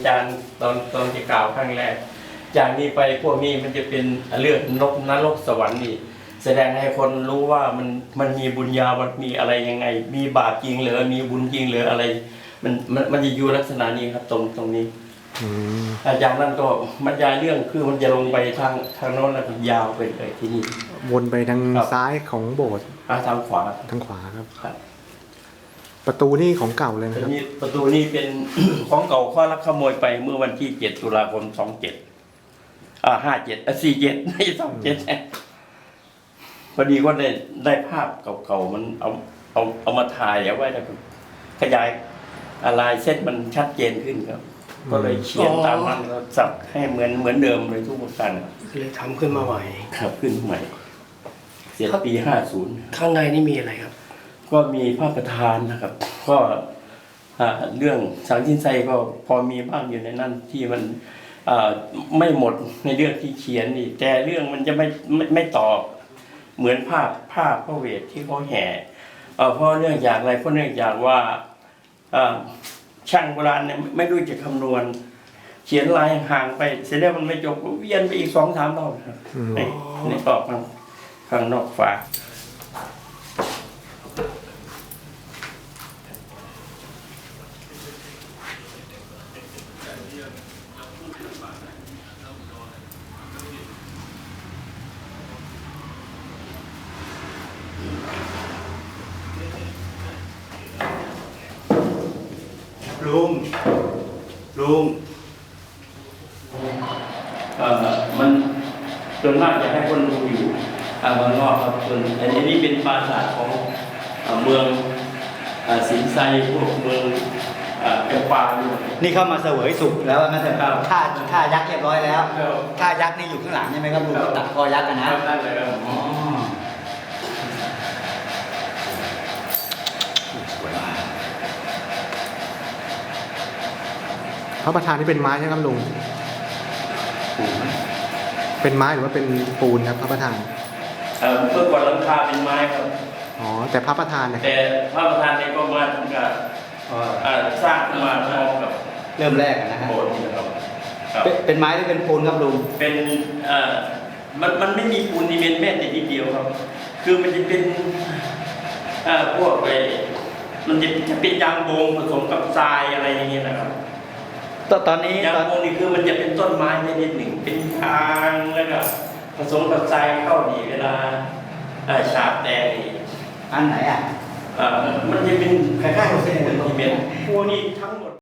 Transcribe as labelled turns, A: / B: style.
A: อาจารย์ตอนที่กล่าวครั้งแรกจากนี้ไปพวกนี้มันจะเป็นเรื่องนรกสวรรค์นี่แสดงให้คนรู้ว่ามันมีบุญญามันมีอะไรยังไงมีบาปจริงหรือมีบุญจริงหรืออะไรมันจะอยู่ลักษณะนี้ครับตรงนี้อาจารย์นั่นก็บรรยายเรื่องคือมันจะลงไปทางโน้นแล้วยาวไปเลยที่นี่
B: วนไปทางซ้ายของโบสถ์
A: ทางขวา
B: ครับประตูนี่ของเก่าเลยนะครับ
A: ประตูนี่เป็น ของเก่าข้อลักขโมยไปเมื่อวันที่7 ตุลาคม 27 47ไม่27พอดีก็ได้ภาพเก่าๆมันเอามาถ่ายเอาไว้แล้วขยายลายเส้นมันชัดเจนขึ้นครับก็เลยเขียนตามนั้นแล้วสับให้เหมือนเดิมเลยทุกประการ
C: เลยทำขึ้นมาใหม่
A: ครับขึ้นใหม่เสร็จปี50
C: ข้างในนี่มีอะไรครับ
A: ก็มีพระประธานนะครับก็เรื่องสังชินไซก็พอมีบ้างอยู่ในนั้นที่มันไม่หมดในเรื่องที่เขียนนี่แต่เรื่องมันจะไม่ตอบเหมือนภาพพระเวทที่เขาแห่เพราะเนื่องจากอะไรเพราะเนื่องจากว่าช่างโบราณเนี่ยไม่รู้จะคำนวณเขียนลายห่างไปเสร็จแล้วมันไม่จบเวียนไปอีก2-3 รอบครับในตอบข้างนอกฝา
C: ลุง
A: มันส่วนมากจะให้คนดูอยู่เมืองนอกครับส่วนอันนี้เป็นปราสาทของเมืองสินไซพวกเมืองเอปา
D: นี่เข้ามาเสวยสุขแล้วนะแต่ฆ่ายักษ์เรียบร้อยแล้วฆ่ายักษ์นี่อยู่ข้างหลังใช่ไหมครับลุงตัดคอยักษ์กันนะ
A: นั่นเลยครับ
B: พระประธานนี่เป็นไม้ใช่ไหมครับลุงเป็นไม้หรือว่าเป็นปูนครับพระประธาน
A: เมื่อก่อนหลังคาเป็นไม้ครับ
B: แต่พระประธานเนี่ย
A: แต่พระประธานเนี่ยก็มาทำการสร้างขึ้นมาพร้อมกับ
D: เริ่มแรกนะฮะ
A: โบสถ์นี่นะครับ
D: เป็นไม้หรือเป็นปูนครับลุง
A: เป็นมันไม่มีปูนนี่เป็นแม้แต่นิดเดียวครับคือมันจะเป็นพวกมันจะเป็นยางโบงผสมกับทรายอะไรอย่างเงี้ยนะครับ
D: ตอนนี้
A: ยางโบงนี่คือมันจะเป็นต้นไม้ชนิดหนึ่งเป็นทางแล้วก็ผสมกับทรายเข้าดีเวลาฉาบแดง
D: อันไหนมัน
A: จะเป็นคล้ายๆกับเส้นเหมือนที่เป็นพวกนี้ทั้งหมด